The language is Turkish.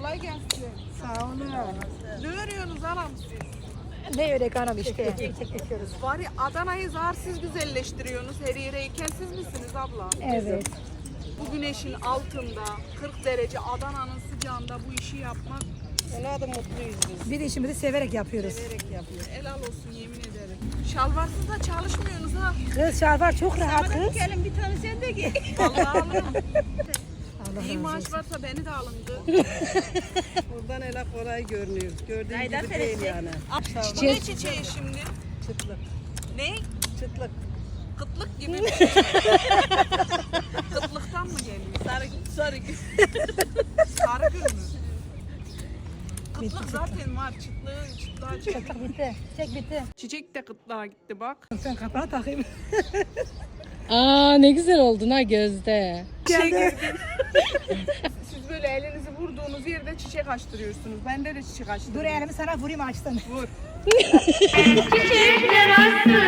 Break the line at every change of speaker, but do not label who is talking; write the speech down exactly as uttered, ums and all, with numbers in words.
Kolay gelsin.
Sağ olun.
Ne örüyorsunuz anam siz?
Ne örek anam işte. Çekiyoruz.
Var ya Adana'yı zarsiz güzelleştiriyorsunuz. Her yere ikensiz misiniz abla?
Evet.
Bu güneşin altında kırk derece Adana'nın sıcağında bu işi yapmak
Ona da mutluyuz biz.
Bir de işimizi severek yapıyoruz.
Severek yapıyoruz.
helal olsun yemin ederim. Şalvarsız da çalışmıyorsunuz ha.
Kız şalvar çok rahat kız.
Gelin bir tane sen de giy.
Vallahi alırım.
Allah
İyi
razı
maaş
olsun.
varsa beni de alındı.
Buradan hele kolay görünüyor. Gördüğün
Aydan
gibi değil
teresi.
yani.
Bu ne çiçeği şimdi?
Çıtlık.
Ne?
Çıtlık.
Kıtlık gibi bir şey. Kıtlıktan mı geliyor?
Sarı, sarı gül.
Sarı gül mü? Kıtlık zaten var. Çıtlığı, çıtlığa çıktı.
Çek bitti. Çek bitti.
Çiçek de kıtlığa gitti bak.
Sen kapağı takayım.
Aa ne güzel oldun ha Gözde.
Şey gördüm. Siz böyle elinizi vurduğunuz yerde çiçek açtırıyorsunuz. Bende de çiçek açtırıyorum.
Dur elimi sana vurayım açsın.
Vur.
Çiçekler açsın